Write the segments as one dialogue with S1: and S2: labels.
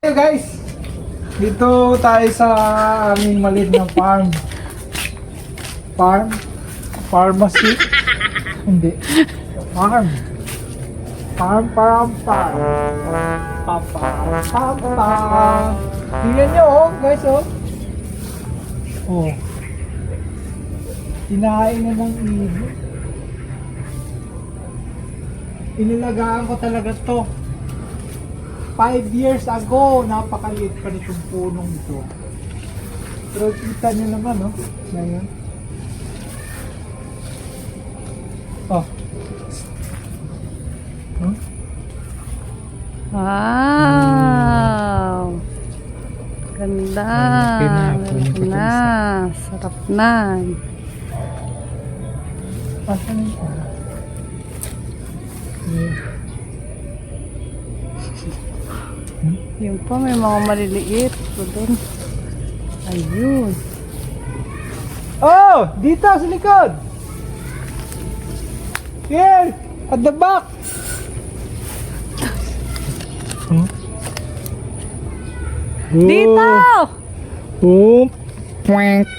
S1: Hey guys, dito tayo sa aming maliit na farm. Pharmacy? Hindi. Farm. Farm. Tingnan nyo guys Oh. Kinain na ng ibon. Inilagaan ko talaga to. 5 years ago, napakaliit pa nitong punong ito. Pero kita nyo naman, ngayon. Oh.
S2: Wow! Ganda! Sarap na! Sarap na!
S1: Asan ito?
S2: Yung pa, may mga maliliit. Doon. Ayun.
S1: Oh! Dito sa likod! Here! At the back!
S2: Dito!
S1: Oh! Pwank!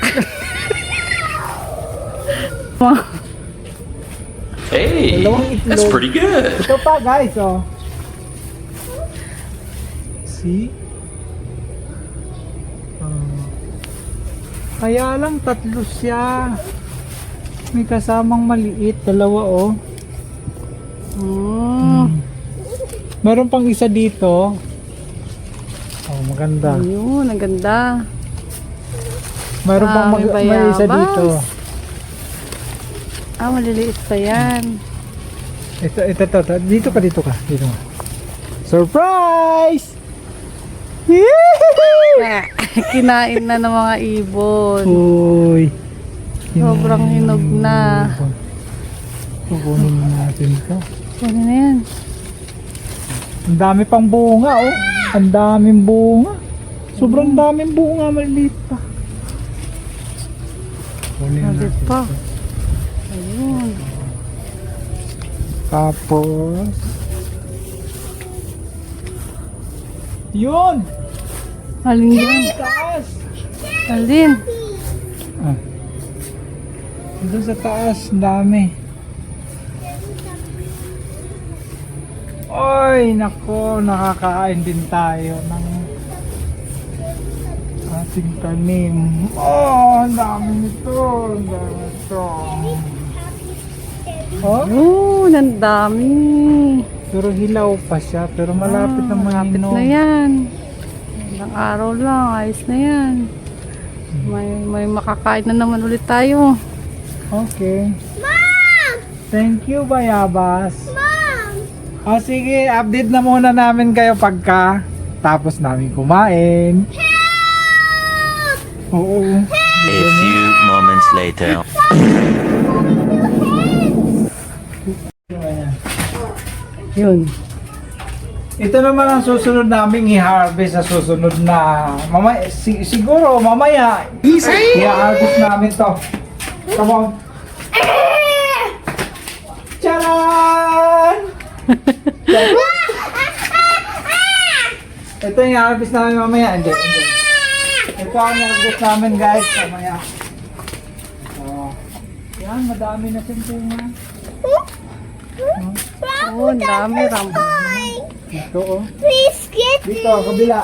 S3: Hey, that's pretty good.
S1: Ito pa guys, See? Kaya lang tatlo siya. May kasamang maliit, dalawa Meron pang isa dito. Maganda.
S2: Ayun, ang ganda.
S1: Meron pang may isa dito.
S2: Maliliit pa yan.
S1: Ito. Dito ka. Surprise!
S2: Kinain na ng mga ibon.
S1: Uy.
S2: Sobrang hinog na.
S1: Kukunin natin ito.
S2: Kunin na yan.
S1: Ang dami pang bunga, Ang daming bunga. Sobrang daming bunga, maliliit pa. Kunin
S2: Maliit
S1: natin
S2: pa.
S1: ito.
S2: Ayun.
S1: Tapos yun!
S2: Alin yan?
S1: Taas!
S2: Alin?
S1: Doon sa taas, dami. Oy, nako, nakakain din tayo ng ating tanim. Ang dami nito.
S2: Ayun, ang dami.
S1: Pero hilaw pa siya, pero malapit na
S2: Malapit
S1: mahinog.
S2: na yan. Ilang araw lang, ayos na yan. May makakain na naman ulit tayo.
S1: Okay. Mom! Thank you, Bayabas. Mom! Sige, update na muna namin kayo pagka tapos namin kumain. Help! Oo.
S3: A few moments later.
S2: Yun.
S1: Ito naman ang susunod naming i-harvest sa susunod na siguro mamaya i-harvest namin to. Come on. Charan! Ito yung i-harvest namin mamaya. Hindi. Ito ang i-harvest namin guys mamaya. Yan, madami na sintungan.
S2: Oo, ang dami.
S1: Ito
S4: Please get
S1: Dito, kabila.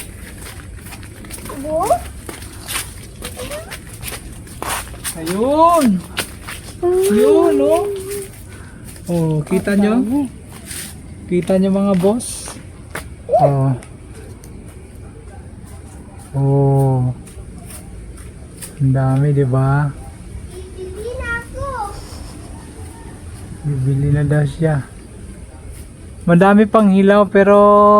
S1: Ayun. Ayun, kita nyo? Kita nyo mga boss? Ang dami, di ba? Bibili na daw siya. Madami pang hilaw pero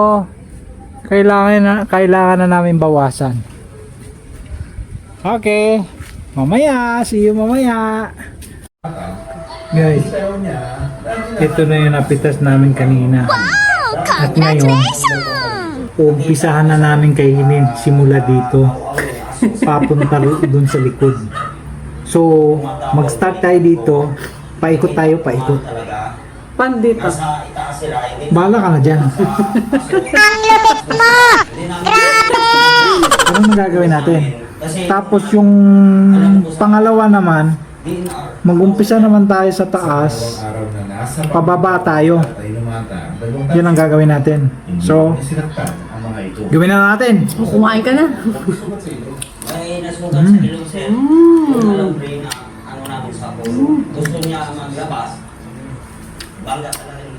S1: kailangan na namin bawasan. Okay. Mamaya, see you mamaya. Guys, ito na yung napitas namin kanina. At ngayon, umpisahan na namin kainin simula dito. Papunta dun sa likod. So, mag-start tayo dito. Paikot tayo, paikot.
S2: Pan dito.
S1: Bahala ka na dyan.
S4: Ang lapit mo!
S1: gagawin natin. Tapos yung pangalawa naman, mag-umpisa naman tayo sa taas, pababa tayo. Yun ang gagawin natin. So, gawin na natin.
S2: Kumain ka na.
S4: May nasugat sa ilong sir. Alam rin na ano namin sa ako. Gusto niya maglabas. Bangga talaga